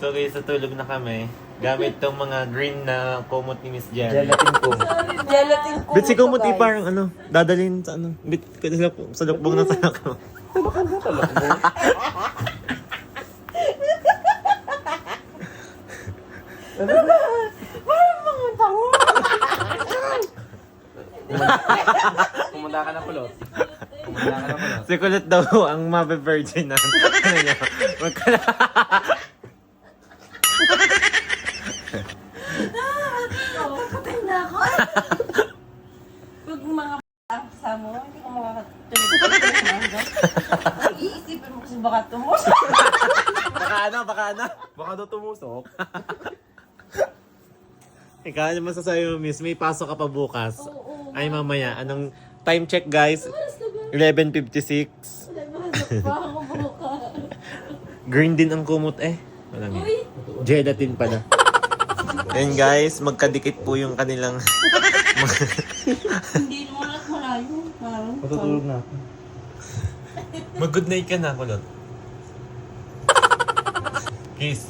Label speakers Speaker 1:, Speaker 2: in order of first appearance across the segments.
Speaker 1: So guys, natulog na kami. Gamit tong mga green na kumot ni Miss Jerry.
Speaker 2: Gelatin ko.
Speaker 3: Gelatin ko.
Speaker 1: Bit si kumot parang dadalhin sa bit sa lukbong ng tanak mo.
Speaker 2: Talakan mo, talakan mo.
Speaker 3: Parang mga tango.
Speaker 2: Kumanda ka na kulot. Kumanda ka na kulot.
Speaker 1: Si Kulot daw ang mabe-virgin na. Ano niya?
Speaker 3: Patay na ako. Pag mga sa mo, hindi ko makakatulog. Iisipin mo kasi baka tumusok.
Speaker 1: Baka ano?
Speaker 2: Baka daw tumusok.
Speaker 1: Ikaw, ano masasabi mo, Miss? May pasok ka pa bukas.
Speaker 3: Oo.
Speaker 1: Ay, mamaya. Anong time check, guys? 11:56.
Speaker 3: Pa ako bukas.
Speaker 1: Green din ang kumot Walang
Speaker 3: Uy!
Speaker 1: gelatin pala. And guys, magkadikit po yung kanilang...
Speaker 3: Hindi mo lang malayo. Parang.
Speaker 2: Matutulog na.
Speaker 1: Mag-good night ka na, Kulot. Kiss.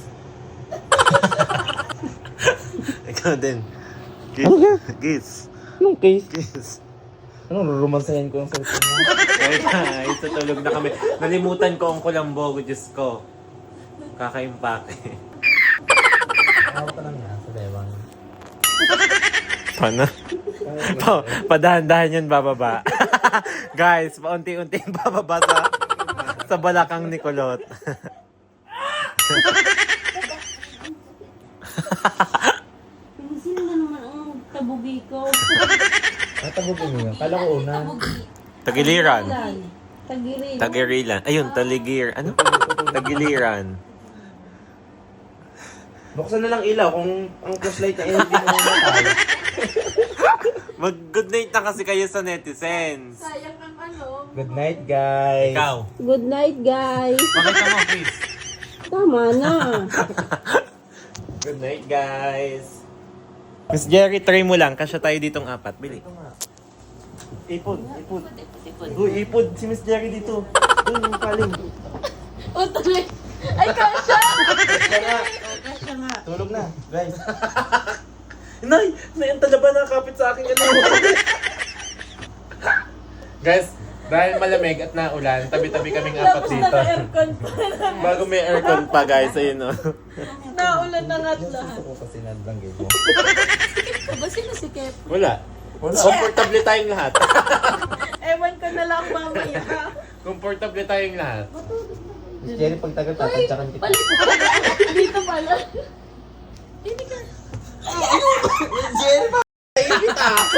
Speaker 1: Ikaw din. Kiss.
Speaker 2: Ano ka?
Speaker 1: Kiss.
Speaker 2: Anong case?
Speaker 1: Kiss.
Speaker 2: Anong rurumansayan ko yung cellphone mo?
Speaker 1: Okay guys, tutulog na kami. Nalimutan ko ang kulambo, Diyos ko. Kakaimpake.
Speaker 2: Ako pa lang yan sa Dewang.
Speaker 1: Paano? Padahan-dahan yan bababa. Guys, paunti-unting bababa sa balakang ni Kulot.
Speaker 3: Sino na naman ang tabugi ko?
Speaker 2: Tatagugin mo yan. Kala ko una.
Speaker 3: Tabugi.
Speaker 1: Tagiliran.
Speaker 3: Tagirin.
Speaker 1: Tagirilan. Ayun, taligir. Ano? Tagiliran.
Speaker 2: Buksan na lang ilaw kung ang flashlight na hindi mo mamatay.
Speaker 1: Mag-good night na kasi kayo sa netizens.
Speaker 3: Sayang ang ano.
Speaker 2: Good night, guys.
Speaker 1: Ikaw.
Speaker 3: Good night, guys.
Speaker 1: Makita mo, please.
Speaker 3: Tama na.
Speaker 1: Good night, guys. Miss Jerry, try mo lang. Kasya tayo ditong apat. Bili.
Speaker 2: Ipod. Uy, ipod si Miss Jerry dito. Doon yung paling.
Speaker 3: O, tuloy. Ay, kasha!
Speaker 2: Kasya nga.
Speaker 3: Kasha nga.
Speaker 2: Tulog na, guys.
Speaker 1: Nay! Nay, ang talaba nakakapit sa akin. Guys, dahil malamig at naulan, tabi-tabi kaming apat
Speaker 3: Tapos
Speaker 1: dito.
Speaker 3: naka-aircon pa.
Speaker 1: Bago may aircon pa, guys. Ayun, no.
Speaker 3: Naulan na nga't lahat.
Speaker 2: Gusto ko kasi nadlanggay mo.
Speaker 3: Sikip ka ba? Sino sikip?
Speaker 1: Wala. Komportable tayong lahat.
Speaker 3: Ewan ko na lang mamaya.
Speaker 1: Komportable tayong lahat.
Speaker 2: Miss Jerry, pag tagal tatantsakan kita.
Speaker 3: Balik ko pala. Dito pala. Hindi ka.
Speaker 2: Miss Jerry, maibit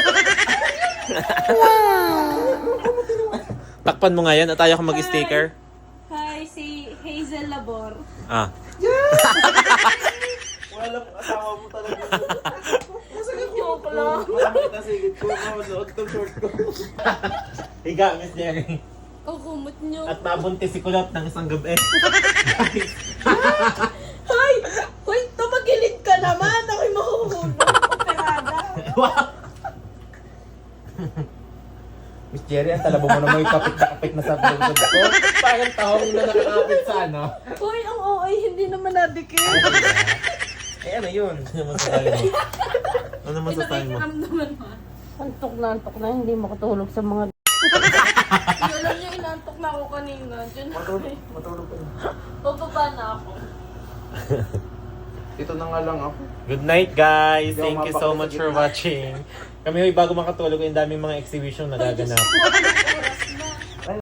Speaker 1: Takpan mo nga yan at tayo kang mag-sticker.
Speaker 3: Hi, si Hazel Labor.
Speaker 1: Ah.
Speaker 2: Wala pong asawa mo talaga.
Speaker 3: Joke lang.
Speaker 2: Malamit na sigit ko. Suot tong short ko.
Speaker 1: Higa, Miss Jerry.
Speaker 3: Ang kumot nyo.
Speaker 1: At nabuntis si Kulot ng isang gabi. Guys.
Speaker 3: Hoy! Hoy, tumagilid ka naman. Ako'y mahuhulog. Operada.
Speaker 2: Miss Jerry, ang talabo mo na may kapit na sa bulog ko.
Speaker 1: Parang tahong na nakakapit sa ano.
Speaker 3: Hoy, ang OA hindi naman nadikit.
Speaker 2: Eh, ano yun?
Speaker 1: Ano masasabi mo? Ano masasabi mo?
Speaker 3: Naman mo. Antok na, hindi makatulog sa mga... Alam niyo, inantok na ako kanina. Diyan na.
Speaker 2: Matulog ka na.
Speaker 3: Bababa na ako.
Speaker 2: Ito na nga lang ako.
Speaker 1: Good night, guys.
Speaker 2: Hindi ako
Speaker 1: Thank you so
Speaker 2: mapakita
Speaker 1: much
Speaker 2: sa
Speaker 1: for
Speaker 2: gitna.
Speaker 1: watching. Kami hoy bago makatulog, yung daming mga exhibition na gaganap.
Speaker 3: Oras na.